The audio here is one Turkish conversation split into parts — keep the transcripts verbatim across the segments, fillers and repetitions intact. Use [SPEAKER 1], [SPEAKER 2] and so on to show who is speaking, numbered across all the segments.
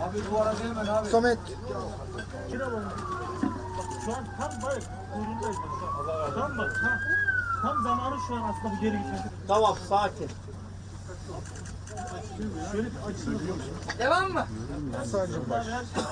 [SPEAKER 1] Abi bu arada hemen abi.
[SPEAKER 2] Samet.
[SPEAKER 3] Şu an tam bak kuyruğundayız bak şu an. Tam bak ha. Tam zamanı şu an aslında bu geri gitmesi.
[SPEAKER 4] Tamam sakin.
[SPEAKER 3] Şöyle bir açılır.
[SPEAKER 1] Devam mı?
[SPEAKER 2] Sadece baş.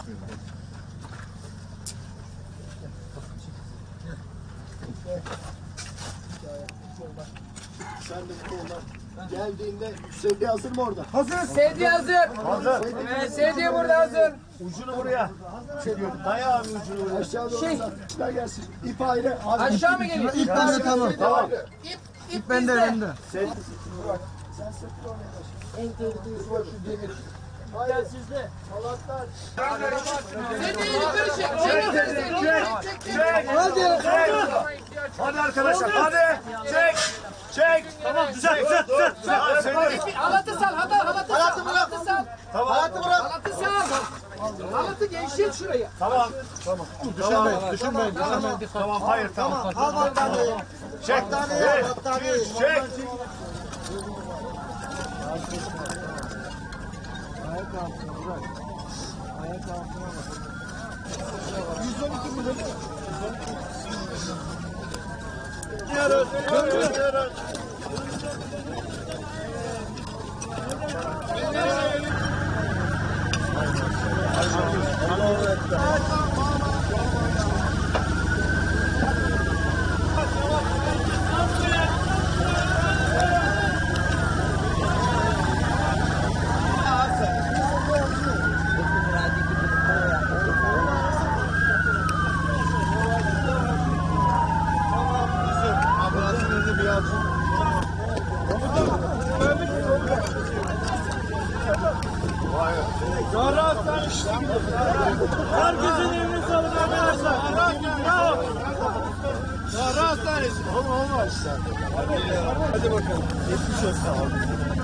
[SPEAKER 4] Sen de bu konuda geldiğinde sevgi hazır mı orada?
[SPEAKER 2] Hazır.
[SPEAKER 1] Sevdiği hazır.
[SPEAKER 4] Hazır.
[SPEAKER 1] Evet, sevdiği burada hazır.
[SPEAKER 4] Ucunu buraya. Daya abi ucunu buraya. Aşağı doğru
[SPEAKER 1] Şey.
[SPEAKER 4] çıkar gelsin. İp ayrı. Abi.
[SPEAKER 1] Aşağı mı geliyor?
[SPEAKER 2] İp bende tamam.
[SPEAKER 4] Tamam.
[SPEAKER 1] İp, ip
[SPEAKER 2] İp bende
[SPEAKER 1] bizde.
[SPEAKER 2] bende.
[SPEAKER 4] Sen sen sırtla oraya taş. En tehlikelisi var şu demir. Hayır sizde. Halatlar.
[SPEAKER 1] Sevdiği yukarı çek. Çek, çek, çek, çek.
[SPEAKER 2] Hadi.
[SPEAKER 4] Hadi arkadaşlar hadi. Çek. Çek. Tamam güzel güzel güzel. Hadi seni.
[SPEAKER 1] Halatı sal, halatı, halatı sal. Halatı sal.
[SPEAKER 4] Tamam. Halatı bırak.
[SPEAKER 1] Halatı sal. Halatı gevşet şuraya.
[SPEAKER 4] Tamam. Tamam.
[SPEAKER 2] Düşünmeyin. Düşünmeyin. Düşünmeyin.
[SPEAKER 4] Tamam hayır tamam.
[SPEAKER 2] Al battaniyeyi.
[SPEAKER 4] Çek.
[SPEAKER 2] Battaniyeyi al.
[SPEAKER 4] Bir,
[SPEAKER 2] Battaniyeyi.
[SPEAKER 4] iki, üç, çek.
[SPEAKER 2] Ayak altına bırak. Ayak altına bak. yüz on iki milyon.
[SPEAKER 4] Gidiyoruz. Gidiyoruz.
[SPEAKER 3] Herkesin eline sağlık arkadaşlar. Bravo.
[SPEAKER 4] Rahat tanesi. Olma olmaz. Hadi bakalım. Geçmiş olsun.